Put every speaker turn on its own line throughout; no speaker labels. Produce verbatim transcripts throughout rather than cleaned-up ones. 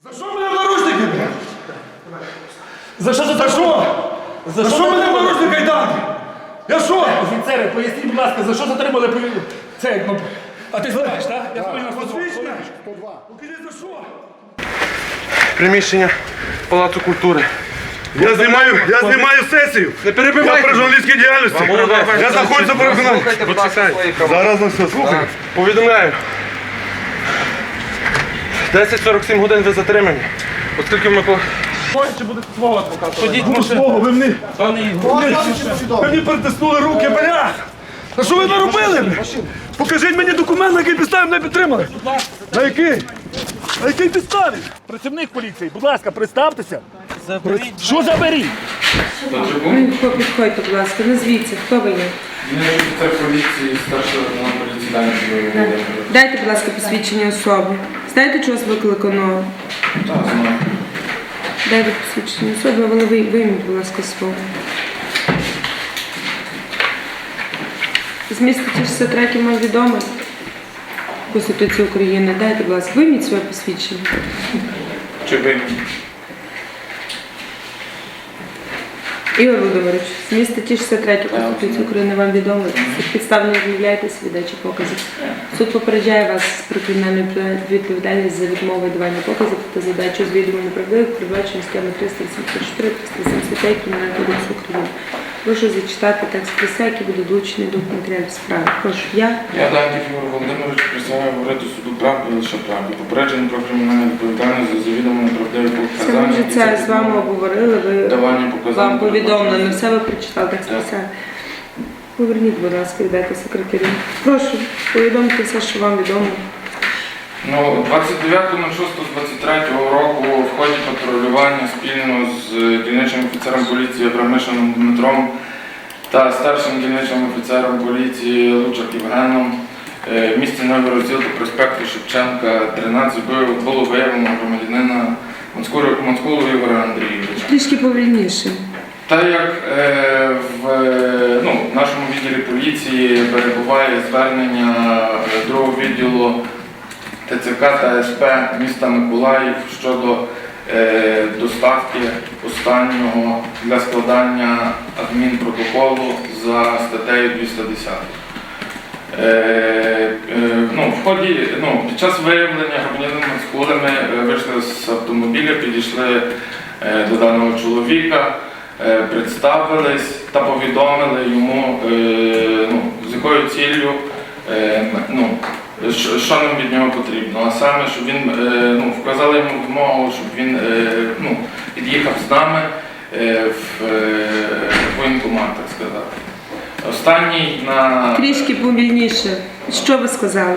За що мене в наручники? За що за що? За що мене в наручники кайданки? Я що?
Офіцери, поясніть, будь ласка, за що затримали це, ну, а ти знаєш, так? Я повинен
Посвідчення? Покажи за що?
Приміщення Палацу культури.
Я знімаю, я знімаю сесію.
Не перебивайте.
Я при журналістській діяльності. Я знаходжуся при виконанні. Зараз на все, слухай.
Повідомляю. десять сорок сім годин ви затримані. Оскільки ми по...
Чи буде свого адвоката? Ходіть,
Ну, свого, ви мені,
пане Ігор.
ви мені притиснули руки, бля! Та що ви наробили? бля? Покажіть мені документ, на який підставі мене підтримали. На який? На якій підставі?
Працівник поліції, будь ласка, представтеся. Заберіть. Що заберіть?
Ви підходьте, будь ласка, назвіться, хто ви є?
Він офіцер поліції, старший лейтенант поліції Данської Володимир.
Дайте, будь ласка, посвідчення особи. Знаєте, чого вас викликано?
Так, знаю.
Дайте посвідчення особи, але ви вийміть, будь ласка, свого. Зміст статті шістдесят три вам відомо. Конституції України. Дайте, будь ласка, вийміть своє посвідчення.
Чи ви?
Ігор Володимирович, зміст статті шістдесят три Конституції України вам відомо. Підставно відмовляєтеся від дачі показів. Суд попереджає вас про кримінальну відповідальність за відмову давання показів та задачу звідомо неправдивих, передбачено схеми триста вісімдесят чотири - триста сімдесят п'ять Кримінального кодексу України. Прошу зачитати текст присяги, який буде долучений до матеріалів справи. Прошу, я.
Я Даньків Ігор Володимирович присягаю говорити суду правду і лише правду. Попередження про кримінальну відповідальність за завідомо неправдиві
Це ми
показання.
вже це з вами обговорили, ви
Давання показань.
вам повідомлено, все ви прочитали текст присяги. Поверніть, будь ласка, віддайте секретарю. Прошу, повідомте все, що вам відомо.
Ну, двадцять дев'ятого шостого двадцять третього року в ході патрулювання спільно з дільничним офіцером поліції Абрамишином Дмитром та старшим дільничним офіцером поліції Лучак Євгеном в місті Новий Розділ по проспекту Шевченка, тринадцять було виявлено громадянина Мацкулу Ігоря Андрійовича.
Трішки повільніше.
Так як е, в, ну, в нашому відділі поліції перебуває звернення другого відділу Т Ц К та С П міста Миколаїв щодо е, доставки останнього для складання адмінпротоколу за статтею двісті десять. Е, е, ну, в ході, ну, під час виявлення громадянина Мацкули ми вийшли з автомобіля, підійшли е, до даного чоловіка, е, представились та повідомили йому, е, ну, з якою ціллю, е, ну, Що, що нам від нього потрібно, а саме, щоб він, е, ну, вказали йому вимогу, щоб він е, ну, під'їхав з нами е, в е, воєнкомат, так сказати. Останній на...
Трішки повільніше. Що ви сказали?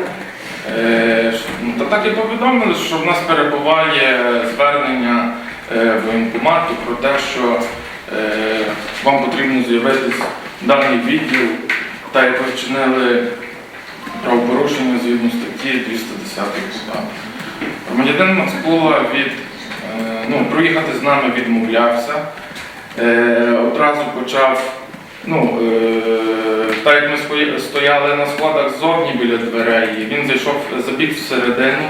Е, ну, та так і повідомили, що в нас перебуває звернення е, воєнкомату про те, що е, вам потрібно з'явитись в даний відділ, та як ви вчинили правопорушення згідно статті двісті десять КУПАП. Громадянин Мацкула від, ну, проїхати з нами відмовлявся. Е, одразу почав, ну, е, так як ми стояли на складах ззовні біля дверей, він зайшов, забіг всередину,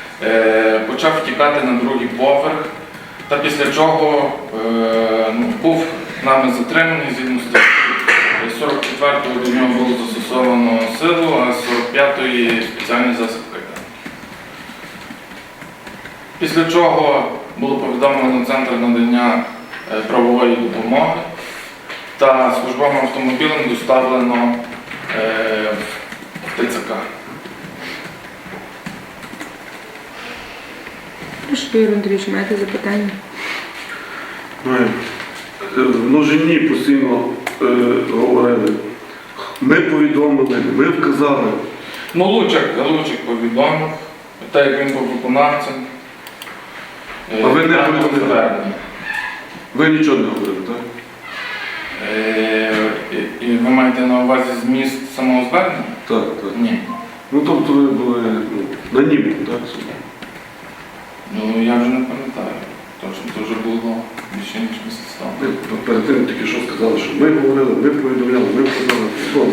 е, почав втікати на другий поверх, та після чого е, ну, був нами затриманий згідно статті сорок четвертого до нього було застосовано силу, а з сорок п'ятої спеціальний засіб кайданки. Після чого було повідомлено Центр надання правової допомоги та службовим автомобілем доставлено в Т Ц К.
Прошу, Ігор Андрійович, маєте запитання?
В множині постійно е, говорили. Ми повідомили, ми вказали.
Ну, Лучак, Лучак повідомив, так як він був виконавцем.
А ви не
даного
повідомили?
звернення.
Ви нічого не говорили, так?
Е, І і ви маєте на увазі зміст самого звернення?
Так, так.
Ні.
Ну тобто ви були ну, на нібі, так?
Ну, я вже не пам'ятаю. Точно, це вже було більше ніж місяць тому.
Ви перед тим тільки що сказали, що ми говорили, ми повідомляли, ми вказали. Добре.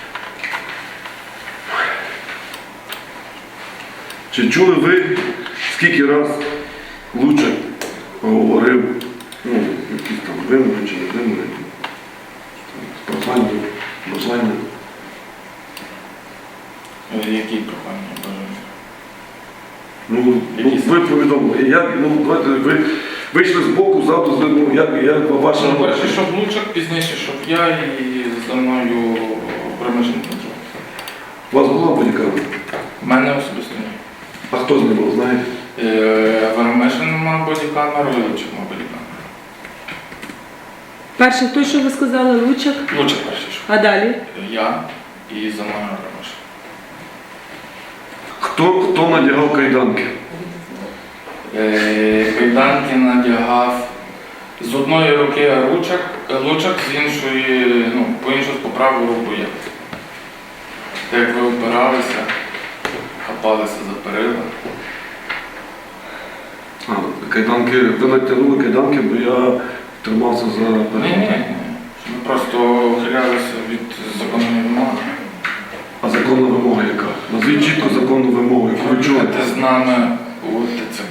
Чи чули ви Скільки раз Лучик говорив, ну, якісь там вимоги чи не вимоги, прохання, бажання.
Е, Які прохання бажання?
Ну, ну, ви повідомили, як, ну, давайте, ви вийшли з боку, завтра, ну, як, як ваша...
Ну, перше, щоб Лучак, пізніше, щоб я і за мною примешаний контроль.
У вас була бодікамера?
У мене особисто ні.
А хто знімав, знаєте?
Вермешин мав бодікамеру, і Лучак мав бодікамеру.
Перше, той, що ви сказали, Лучак,
Лучак перший, що
а далі?
я і за мною Вермешин.
Хто, хто надягав кайданки?
Е, Кайданки надягав з одної руки Лучак, Лучак з іншої, ну, по іншу по праву руку я. Як ви опиралися, хапалися за перила.
А, кайданки, ви натягнули кайданки, бо я тримався за...
Ні, ні, ні. Ми просто ухилялися від законної вимоги.
А законна вимога яка? Назвіть чітко законну вимогу, яку ви чуєте.
Їхати з нами у ТЦК.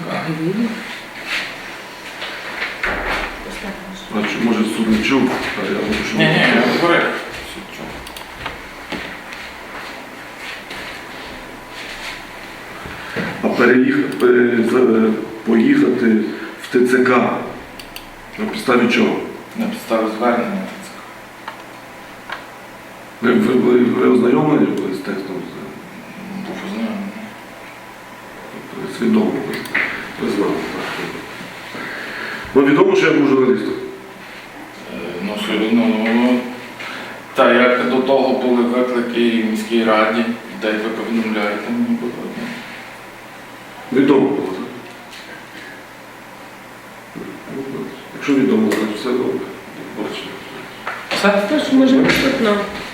А чи, може суд не чув, а я говорю, що...
Ні, ні, я говорив. Все чув.
А переїхати, пере- за- поїхати в ТЦК на підставі чого?
На підставі звернення ТЦК.
Ви, ви, ви, ви ознайомлені були з текстом?
Був ознайомлений.
Ви свідомо ви, ви знали. Так. Ну, відомо, що я був журналістом.
Е, Ну, що, ну, та як до того були виклики в міській раді, де ви повідомляєте, мені було одне.
Відомо було, так? Якщо відомо, значить все добре. Бачите.
Все?
Тож, може, наступного.